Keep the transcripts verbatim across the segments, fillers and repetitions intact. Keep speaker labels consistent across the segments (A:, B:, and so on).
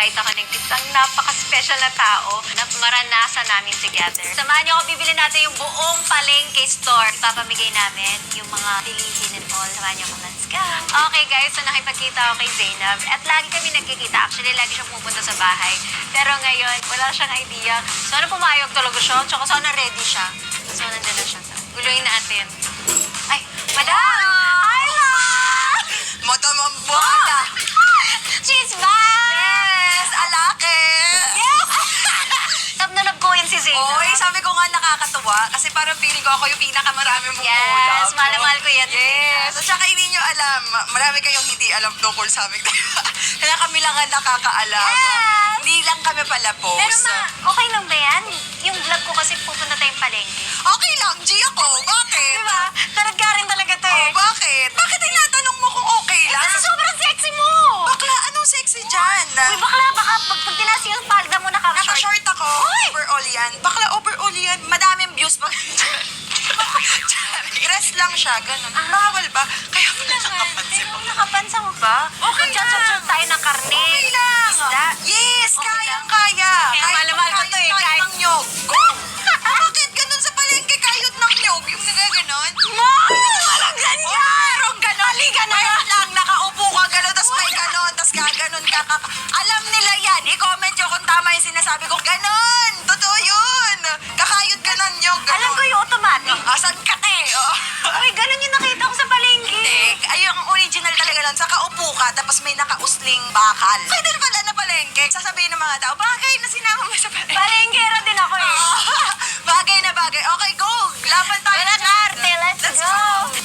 A: nag-invite ako ng isang napaka-special na tao na maranasan namin together. Samahan niyo ako, bibili natin yung buong palengke store. Ipapamigay namin yung mga bilihin and all. Samahan niyo ako, let's go! Okay guys, so nakipagkita ako kay Zainab. At lagi kami nagkikita. Actually, lagi siya pupunta sa bahay. Pero ngayon, wala siyang idea. Sana pumayag talaga siya. Tsaka sana ready siya. So, nandun na siya. Guluhin natin. Ay, madam! Hi, ma!
B: Madam ang bata!
A: She's back!
B: Yes! Alake!
A: Yes! Love na love ko yun si Zainab.
B: Oy, sabi ko nga nakakatuwa kasi parang feeling ko ako yung pinakamarami mong
A: Yes,
B: ulam.
A: mahal na mahal ko yan.
B: Yes! At saka hindi nyo alam, marami kayong hindi alam tungkol sa amin. Kaya kami lang ang nakakaalam.
A: Yes!
B: Hindi lang kami pala po.
A: Pero ma, okay lang ba yan? Yung vlog ko kasi pupunta tayong palengke.
B: Okay lang, G ako. Bakit?
A: Diba? Tarad ka rin talaga to
B: Oh,
A: eh.
B: bakit? Bakit tinatanong mo kung okay lang?
A: Kasi sobrang sexy mo!
B: Bakla, anong sexy dyan?
A: Uy, bakla, baka pag, pag tinasi yung palda mo, naka-short.
B: Naka-short ako. Overall yan. Bakla, overall yan. Madaming views pa. Dress lang siya, ganun.
A: Ah.
B: Bawal ba? Kaya mo na nakapansin
A: Pero
B: mo.
A: nakapansa mo ba?
B: Okay
A: Magchat-chat
B: lang.
A: tayo ng karne.
B: Okay lang.
A: Isda.
B: Yes,
A: Okay
B: kayang
A: lang.
B: kaya.
A: Kaya mahal-mahal ko to eh,
B: Kahit
A: kahit-
B: ng nyog. Go! Bakit ganun sa palengke kayot ng nyog? Yung nagaganon?
A: Ma! Walang ganyan!
B: Merong ganon. Mali ka na lang. Nakaupo ka ganon, tas may ganon, tas gaganon ka. ka. Alam nila yan. I-comment nyo kung tama yung sinasabi ko. Ganon! Totoo yun! Kakayot ka ng nyog. Ganon.
A: Alam ko yung automatic.
B: Asan ka te? Oh.
A: Uy, ganun yung nakita ko sa palengke.
B: Hindi. Ay, yung original talaga lang. Sa kaupo ka, tapos may nakausling bakal. Pwede na pala na palengke. Sasabihin ng mga tao, bagay na sinama mo sa palengke.
A: Palengkera din ako eh.
B: Bagay na bagay. Okay, go! Laban tayo.
A: Wala
B: dyan.
A: arte, let's,
B: Let's
A: go.
B: go.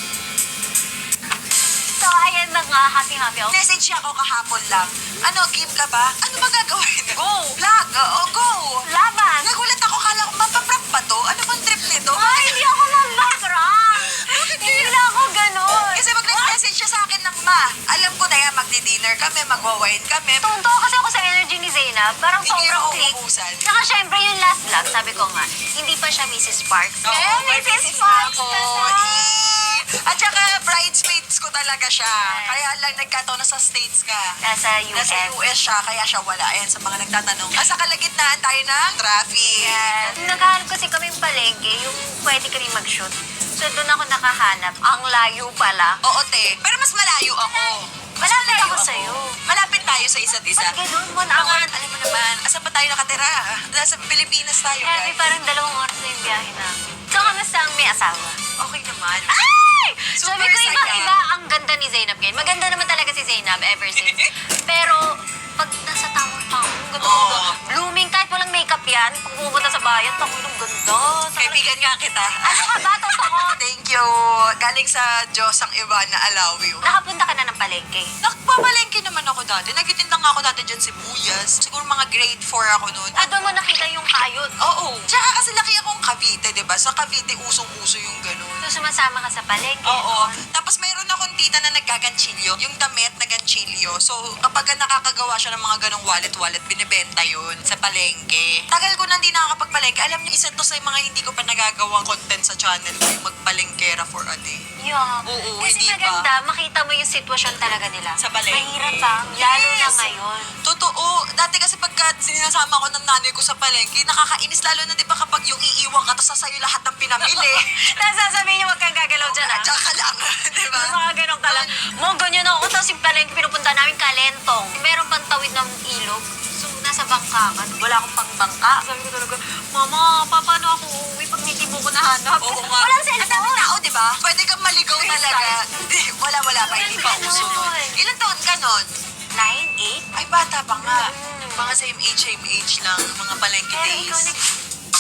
A: So, ayan na nga, happy-happy ako.
B: Message niya ako kahapon lang. Ano, game ka ba? Ano ba gagawin? Go! Vlog! Oo, go!
A: Laban!
B: Nagulat ako, kala ko mapaprank ba to? Ano bang trip nito?
A: Ay, hindi ako mambakrang. Hindi na ako ganun.
B: Kasi mag-message siya sa akin ng ma. Alam ko na yan, magdi-dinner kami, magwa-wine kami.
A: Tunto kasi ako sa energy ni Zainab. Parang
B: Hindi
A: sobrang
B: ako
A: click.
B: uubusan.
A: Saka syempre yung last vlog, sabi ko nga, hindi pa siya Missus Sparks.
B: Oo,
A: Eh,
B: may
A: Missus
B: business
A: Sparks
B: na ako.
A: na siya.
B: Eh. At saka, bridesmaids ko talaga siya. Kaya lang nagkataon na sa States ka.
A: Nasa U S.
B: Nasa U S siya, kaya siya wala. Ayan, sa mga nagtatanong. Nasa kalagitnaan tayo ng traffic.
A: Yes. Naghahanap kasi kami palengke, yung pwede kami mag-shoot. So doon ako nakahanap. Ang layo pala.
B: Oo, te. Pero mas malayo ako. Mas
A: Malapit
B: malayo
A: ako sa'yo.
B: Malapit tayo sa isa't isa.
A: Ba't ganun? One
B: Mga,
A: hour?
B: alam mo naman, asan pa tayo nakatira? Nasa Pilipinas tayo,
A: Grabe,
B: guys.
A: parang dalawang oras na yung biyahe na. So, kamusta ang may asawa?
B: Okay naman.
A: Ay!
B: Super
A: Sabi ko,
B: saya.
A: iba-iba ang ganda ni Zainab ngayon. Maganda naman talaga si Zainab ever since. Pero, pag nasa tamang tao, ang ganda.
B: Oo.
A: Blooming, kahit walang makeup yan, pag pumunta sa bayan, tango ng ganda.
B: Kaibigan nga kita.
A: Ano ka ba? Totoo.
B: Thank you. Galing sa Diyos ang iba na alaw you.
A: Nakapunta ka na ng palengke.
B: Nagpamalengke naman ako dati. Nagtitinda nga ako dati dyan sibuyas. Siguro mga grade four ako noon.
A: Ah, doon mo nakita yung kayod.
B: Oo. Tsaka kasi laki akong Cavite, di ba? Sa Cavite, usong-uso yung ganun.
A: So, sumasama ka sa palengke.
B: Oo. Tapos mayroon akong tita na nagkaganchilyo. Yung damit na ganchilyo. So, kapag ka nakakagawa siya ng mga ganong wallet-wallet, binibenta yun sa palengke. Tagal ko na hindi nakakapagpalengke. Alam niyo, isa to sa mga hindi ko pa nagagawang content sa channel ko, yung magpalengkera for a day.
A: Yeah.
B: Oo,
A: Kasi
B: hindi ba?
A: maganda, makita mo yung sitwasyon talaga nila.
B: Sa palengke.
A: Mahirap pa, lalo na
B: Yes.
A: ngayon.
B: Totoo. Dati kasi pagka sinasama ko ng nanay ko sa palengke, nakakainis lalo na di ba kapag yung iiwan ka, tapos sa'yo lahat ng pinamili.
A: Tapos sasabihin niyo, huwag kang gagalaw dyan,
B: At
A: ah.
B: saka lang, di ba?
A: Tapos mga ganun ka lang. Mo, ganyan ako. Tapos yung palengke pinupunta namin, Kalentong. Meron pang tawid ng ilog. So, nasa bangka ka. Wala akong pangbangka. Sabi ko talaga, Mama, pa, paano ako uuwi pag hindi mo ko nahanap?
B: Oo nga.
A: Walang
B: Ang daming
A: cellphone.
B: tao, di ba? Pwede kang maligaw
A: First
B: talaga.
A: time.
B: Hindi, wala, wala pa. Hindi pa
A: Walang
B: uso nun.
A: ganon.
B: Ilan taon ka nun?
A: Nine, eight?
B: Ay, bata pa nga.
A: Mm.
B: Mga same age, same age lang. Mga palengke
A: Pero ikaw
B: days.
A: nag-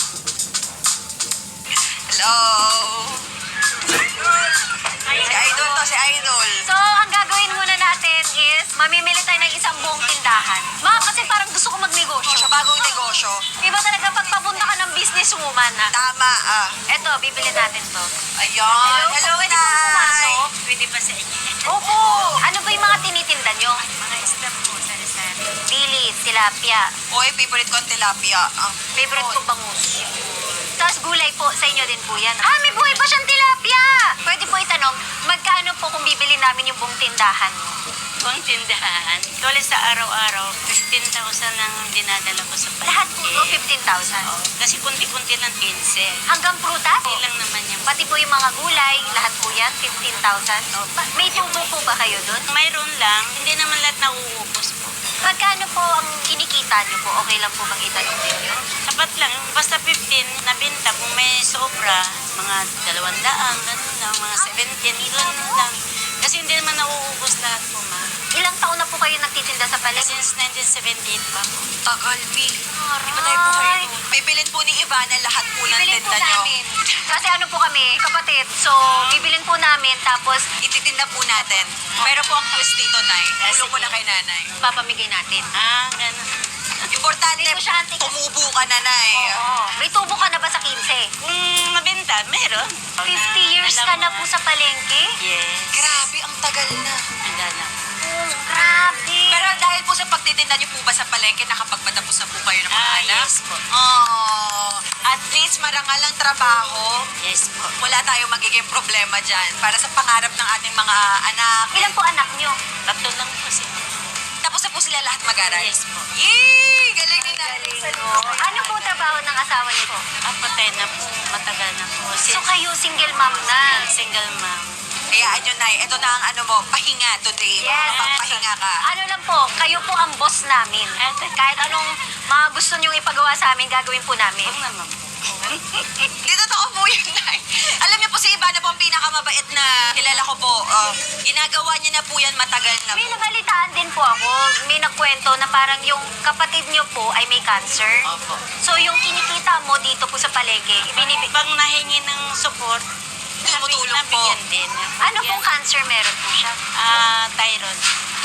B: Hello? Si Idol to, si Idol.
A: So, ang gagawin muna natin is, mamimili tayo ng isang buong tindahan. Ma, kasi parang gusto ko magnegosyo.
B: Sa bagong negosyo.
A: Iba talaga pag papunta ka ng businesswoman na.
B: Tama, ah.
A: Eto, bibili natin to.
B: Ayun. Hello,
A: pwede po
B: Nay.
A: pumasok?
C: Pwede pa sa inyo.
B: Opo.
A: Ano ba yung mga tinitinda nyo?
C: Mga isda po, sari-sari.
A: Dilis, tilapia.
B: Oy, favorite ko ang tilapia. Ah.
A: Favorite ko bangus. Tapos gulay po, sa inyo din po yan. Ah, may buhay pa siyang tilapia! Pwede po itanong, magkano po kung bibili namin yung buong tindahan mo?
C: po ang tindahan. Tuloy sa araw-araw, fifteen thousand ang dinadala ko sa palengke.
A: Lahat po to, fifteen thousand.
C: Kasi kunti-kunti lang quince.
A: Hanggang prutas?
C: Hindi lang naman yung...
A: Pati po yung mga gulay, lahat po yan, fifteen thousand. May tubo po ba kayo doon?
C: Mayroon lang, hindi naman lahat nauubos po.
A: Magkano po ang kinikita niyo po? Okay lang po bang itanong ninyo?
C: Sapat lang, basta fifteen na binta. Kung may sobra, mga dalawang daang, ganun lang, mga seventeen, ganun lang. Kasi hindi naman nauubos lahat po, ma.
A: Ilang taon na po kayo nagtitinda sa palengke?
C: Since nineteen seventy-eight pa po.
B: Tagal, Mi. Di ba tayo po kayo? Bibilin po ni Ivana lahat po ng
A: Bibilin po
B: tinda nyo.
A: namin. Kasi ano po kami, kapatid. So, bibilin po namin tapos
B: Ititinda po natin. Pero po ang twist dito, Nay.
C: Ah,
B: Ulo ko
C: sige.
B: na kay Nanay.
A: papamigay natin.
C: Ah, ganun.
B: Importante,
A: Hindi ko siya antik-
B: tumubo ka na, Nay.
A: Oo. May tubo ka na ba sa quince?
C: Kung mabenta, meron.
A: fifty years
C: Alam
A: ka
C: mo
A: na po sa palengke?
C: Yes.
B: Grabe, ang tagal na.
C: Ang gana.
A: Oh, grabe.
B: Pero dahil po sa pagtitinda niyo po ba sa palengke, nakapagpatapos na po kayo ng mga
C: Ah,
B: anak?
C: yes po.
B: Oh, at least marangal ang trabaho.
C: Yes po.
B: Wala tayong magiging problema dyan para sa pangarap ng ating mga anak.
A: Ilan po anak niyo?
C: Tatlo lang po siya.
B: Tapos na po sila lahat mag-aral.
C: Yes po.
B: Yay! Galing ni Nanay.
A: Ano po trabaho ng asawa niyo po?
C: Ah, patay na po. Matagal na po.
A: So
C: Since
A: kayo single mom na?
C: single mom.
B: Hayaan nyo, Nay. Ito na ang ano mo, pahinga today.
A: Yes.
B: Magpahinga ka.
A: Ano lang po, kayo po ang boss namin. Kahit anong mga gusto niyong ipagawa sa amin, gagawin po namin.
C: Huwag naman po.
B: Di totoo po yun, Nay. Alam niyo po si Ivana po ang pinakamabait na kilala ko po. Uh, ginagawa niya na po yan matagal na
A: May
B: po.
A: nabalitaan din po ako. May nagkwento na parang yung kapatid niyo po ay may cancer.
C: Opo.
A: So yung kinikita mo dito po sa palengke, ibinibig...
C: Pag nahingi ng support,
B: Tumutulong
C: nabi-
B: po.
C: nabigyan din.
A: Ano pong cancer meron po siya?
C: Ah, thyroid.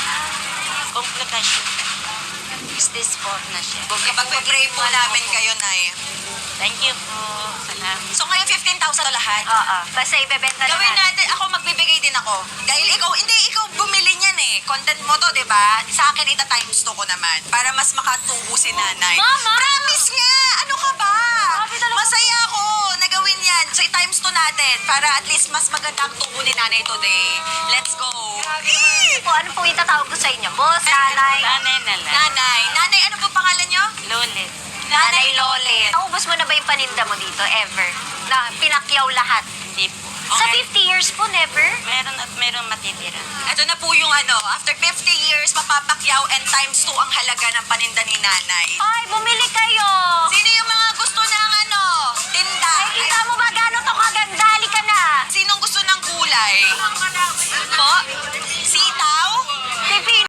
C: Komplikasyon. Stage four na siya.
B: Ipag-pray po namin kayo, Nay.
C: Thank you po. Salamat.
B: So ngayon fifteen thousand lahat.
A: Oo. Basta ibebenta na
B: Gawin natin, ako magbibigay din ako. Dahil ikaw, hindi, ikaw bumili niyan eh. Content mo to, di ba? Sa akin, ita times two ko naman. Para mas makatubo si nanay.
A: Mama!
B: Promise nga! Ano ka ba?
A: Grabe talaga.
B: Masaya ako na gawin yan. So, i-times two natin. Para at least mas maganda ang tubo ni nanay today. Let's go! Eh!
A: Po, ano po itatawag ko sa inyo? Boss, nanay.
C: Nanay na lang.
B: Nanay, nanay, ano po pangalan niyo?
C: Lolit.
A: Nanay Lolit. Naubos mo na ba yung paninda mo dito? Ever? Na pinakyaw lahat?
C: Hindi po.
A: Sa fifty years po, never?
C: Meron at meron matitira.
B: Ito na po yung ano, after fifty years, mapapakyaw and times two ang halaga ng paninda ni nanay.
A: Ay, bumili kayo!
B: Sino yung mga gusto ng ano, tinda?
A: Ay, kita mo ba gano'n to kaganda? Halika na!
B: Sinong gusto ng gulay? Po?